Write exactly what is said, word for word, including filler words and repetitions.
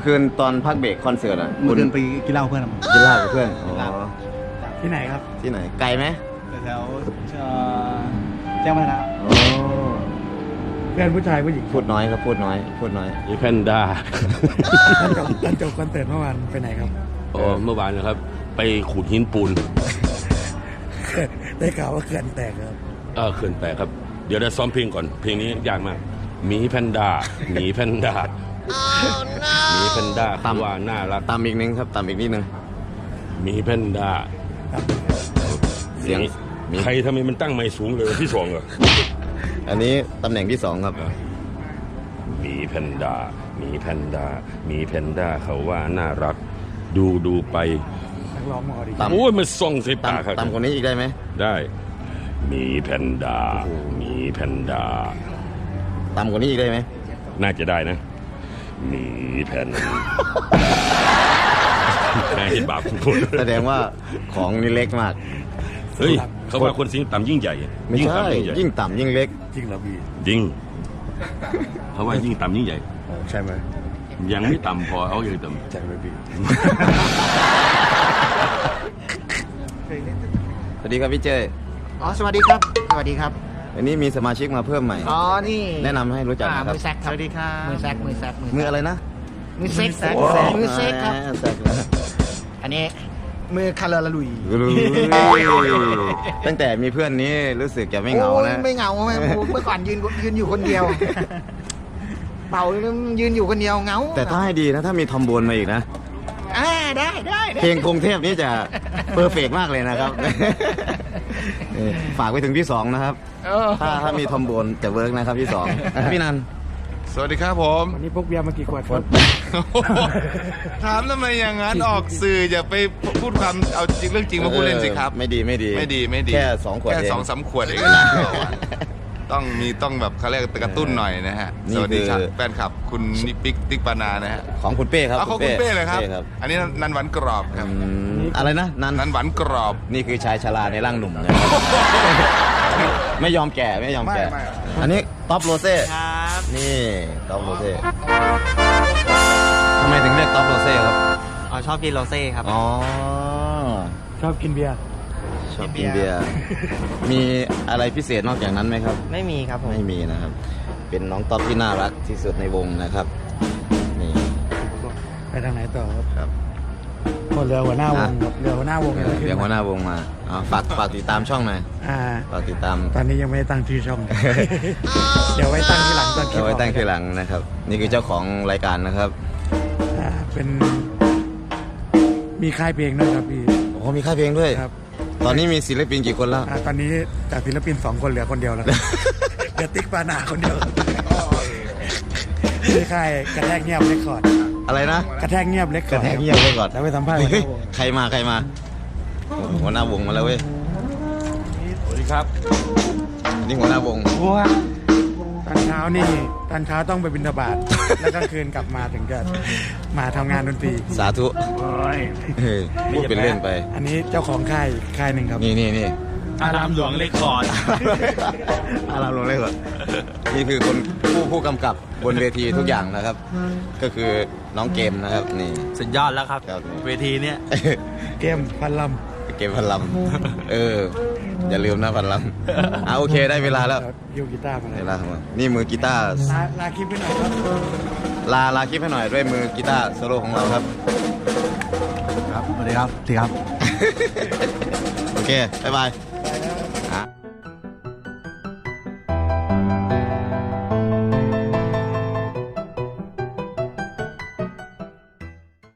มื่อคืนตอนพักเบรกคอนเสิร์ตอ่ะเมื่อคืนไปกินเหล้าเพื่อนกินเหล้ากับเพื่อนอ๋อที่ไหนครับที่ไหนไกลไหมแถวแจ้งวัฒนะอ๋อเพื่อนผู้ชายผู้หญิงพูดน้อยครับพูดน้อยพูดน้อยมีแพนด้าตอนจบตอนจบคอนเสิร์ตเมื่อวานไปไหนครับอ๋อเมื่อวานนะครับ ไปขูดหินปูนได้ข่าวว่าเขื่อนแตกครับเออเขื่อนแตกครับ เดี๋ยวได้ซ้อมเพลงก่อน เพลงนี้ยากมากหมีแพนด้าหมีแพนด้าหมีแพนด้าคำว่าน่ารักตามอีกนึงครับตามอีกนิดนึงหมีแพนด้าเสียงมีใครทำไมมันตั้งไม่สูงเลยที่สองเหรออันนี้ตำแหน่งที่สองครับหมีแพนด้าหมีแพนด้าหมีแพนด้าเขาว่าน่ารัก ดูดูไปนักร้องมาอดีตามโอ้ยมันส่องใส่ตามปากครับตามคนนี้อีกได้ไหมได้หมีแพนด้าหมีแพนด้าตามคนนี้อีกได้ไหมน่าจะได้นะหมีแพน นายเห็นบาปพูดแสดงว่าของนี่เล็กมากเฮ้ยเขาว่าคนสิงต่ำยิ่งใหญ่ไม่ยิ่งใช่ต่ำยิ่งใหญ่ยิ่งต่ำยิ่งเล็กจริงเหรอพี่จริงเขาว่ายิ่งต่ำยิ่งใหญ่ใช่ไหมยังไม่ต่ำพอเอาอย่างต่ำใช่ไหมพี่สวัสดีครับพี่เจ้ยอ๋อสวัสดีครับ สวัสดีครับวันนี้มีสมาชิกมาเพิ่มใหม่อ๋อ นี่แนะนำให้รู้จักอ่านะครับมือแซกครับ สวัสดีครับ มือแซก มือแซกมืออะไรนะมือเซ็กโอ้มือเซ็กครับแซกนะอันนี้ มือคาร์ลลุยตั้งแต่มีเพื่อนนี้รู้สึกจะไม่เหงาโอ้ยนะไม่เหงาไหมเมื่อก่อนยืนยืนอยู่คนเดียว เป่ายืนอยู่คนเดียวเหงาแต่ถ้าให้ดีนะ ถ้ามีทอมโบนมาอีกนะอ่าได้ได้ได้เพลงกรุงเทพนี่จะเพอร์เฟกมากเลยนะครับ เออฝากไปถึงพี่สองนะครับเออถ้าถ้ามีทอมโบนจะเวิร์กนะครับพี่สองพี่นันสวัสดีครับผมวันนี้พกเบียร์มากี่ขวดครับถามทำไมอย่างนั้นออกสื่ออย่าไปพูดความเอาจริงเรื่องจริงมาพูดเล่นสิครับไม่ดีไม่ดีไม่ดีไม่ดีแค่สองขวดแค่เองสองสามขวดเองนะต้องมีต้องแบบเขาเรียกกระตุ้นหน่อยนะฮะนี่สวัสดีครับคือแฟนคลับคุณนิปิกติ๊กปานานะฮะของคุณเป้ครับเอาของคุณเป้เลยครับป้ครับอันนี้นันหวานกรอบครับอืมอะไรนะนันนันหวานกรอบนี่คือชายชราในร่างหนุ่มนะครับ ไม่ยอมแก่ไม่ยอมแก่ไม่ไม่อันนี้ท็อปโรเซ่ครับนี่ท็อปโรเซ่ทำไมถึงเรียกท็อปโรเซ่ครับอ๋อชอบกินโรเซ่ครับอ๋อชอบกินเบียร์ชอบกินเบียร์มีอะไรพิเศษนอกจากนั้นไหมครับไม่มีครับผมไม่มีนะครับ เป็นน้องท็อปที่น่ารักที่สุดในวงนะครับนี่ไปทางไหนต่อครับครับหมดเรือหัวหน้าวงครับเรือหัวหน้าวงเออเรียกหัวหน้าวงมาอ๋อฝากฝากติดตามช่องหน่อยอ่าฝากติดตามตอนนี้ยังไม่ได้ตั้งชื่อช่อง เดี๋ยวไว้ตั้งทีหลังตอนคลิปเอาไว้ตั้งออกทีหลังนะครับ นี่คือเจ้าของรายการนะครับอ่าเป็น มีค่ายเพลงด้วยครับพี่โอ้โหมีค่ายเพลงด้วยครับตอนนี้มีศิลปินกี่คนแล้วอ่าตอนนี้จากศิลปินสองคนเหลือคนเดียวแล้วครับ เหลือติ๊กปานาคนเดียวครับที่ค่ายกระแทกเงียบเรคคอร์ดอะไรนะกระแทกเงียบเรคคกอระร์ดแทกเงียบไว้ก่อนแล้วไปสัมภาษณ์เฮ้ยหัวหน้าวงใครมาใครมาโอ้โหหัวหน้าวงมาแล้วเว้ยสวัสดีครับอันนี่หัวหน้าวงตอนเช้านี่ตอนเช้าต้องไปบิณฑบาต แล้วกลางคืนกลับมาถึงจะมาทำงานดนตรีสาธุเฮ้ยพูดเป็นเล่นไปอันนี้เจ้าของค่ายค่ายหนึ่งครับนี่นี่นี่อารามหลวงเลคคอร์ดอารามลงเลยก่อนนี่คือคนผู้ผู้กำกับบนเวทีทุกอย่างนะครับ ก็คือน้องเกมนะครับนี่สุดยอดแล้วครับครับเวทีเนี้ยเกมพันลเกมพันลำเออ อย่าลืมนะพันลำอ่ะโอเคได้เวลาแล้วำยูกีตาร์มาเวลาทำงานนี่มือกีตาร์ลาลาคลิปไปหน่อยครับลาลาคลิปให้หน่อยด้วยมือกีตาร์โซโล่ของเราครับครับสวัสดีครับสวัสดีครับโอเค บ๊ายบาย